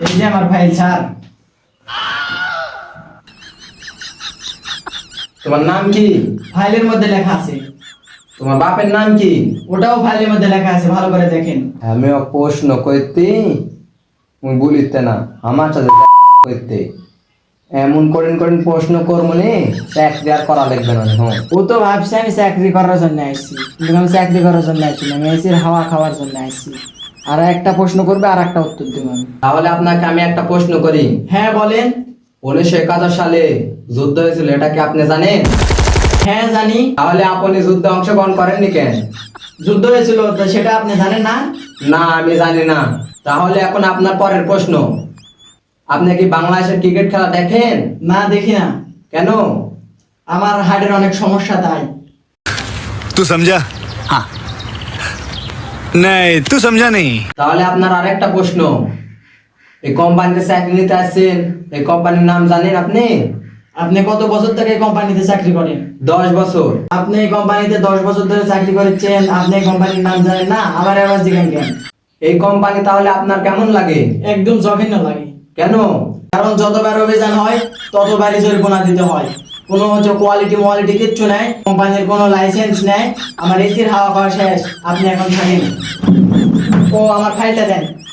এই যে আমার ফাইল স্যার। তোমার নাম কি? ফাইলের মধ্যে লেখা আছে। তোমার বাপের নাম কি? ওটাও ফাইলের মধ্যে লেখা আছে, ভালো করে দেখেন। আমি প্রশ্ন করতে মুই বলিতে না আমার সাথে করতে এমন করেন করেন প্রশ্ন করবো নে চাকরি আর করা লাগবে না। হ্যাঁ ও তো ভাবছে আমি চাকরি করার জন্য আসছি, কিন্তু আমি চাকরি করার জন্য আসছি না, আমি এসির হাওয়া খাওয়ার জন্য আসছি। আর একটা প্রশ্ন করবে আর একটা উত্তর দেবো আমি। তাহলে আপনাকে আমি একটা প্রশ্ন করি। হ্যাঁ বলেন। 1971 সালে যুদ্ধ হয়েছিল, এটা কি আপনি জানেন? হ্যাঁ জানি। তাহলে আপনি যুদ্ধে অংশগ্রহণ করেননি কেন? যুদ্ধ হয়েছিল তো সেটা আপনি জানেন না? না, আমি জানি না। তাহলে এখন আপনার পরের প্রশ্ন, আপনি কি বাংলাদেশের ক্রিকেট খেলা দেখেন? না দেখি না। কেন? আমার হার্টের অনেক সমস্যা তাই। तू समझा? हाँ नहीं तू समझा नहीं। তাহলে আপনার আরেকটা প্রশ্ন, এই কোম্পানিতে চাকরি নিতে আসছেন, এই কোম্পানির নাম জানেন আপনি? আপনি কত বছর থেকে এই কোম্পানিতে চাকরি করেন? 10 বছর। আপনি এই কোম্পানিতে 10 বছর ধরে চাকরি করেছেন, আপনি এই কোম্পানির নাম জানেন না, আবার এবার জিজ্ঞাসা কেন? এই কোম্পানি তাহলে আপনার কেমন লাগে? একদম জঘন্য লাগে। কেন? কারণ যতবার অভিযান হয় ততবারই জরিমানা দিতে হয়। কোনো হচ্ছে কোয়ালিটি কিচ্ছু নাই, কোম্পানির কোনো লাইসেন্স নেই। আমার এসির হাওয়া খাওয়া শেষ, আপনি এখন থাকেন। ও আমার ফাইলটা দেন।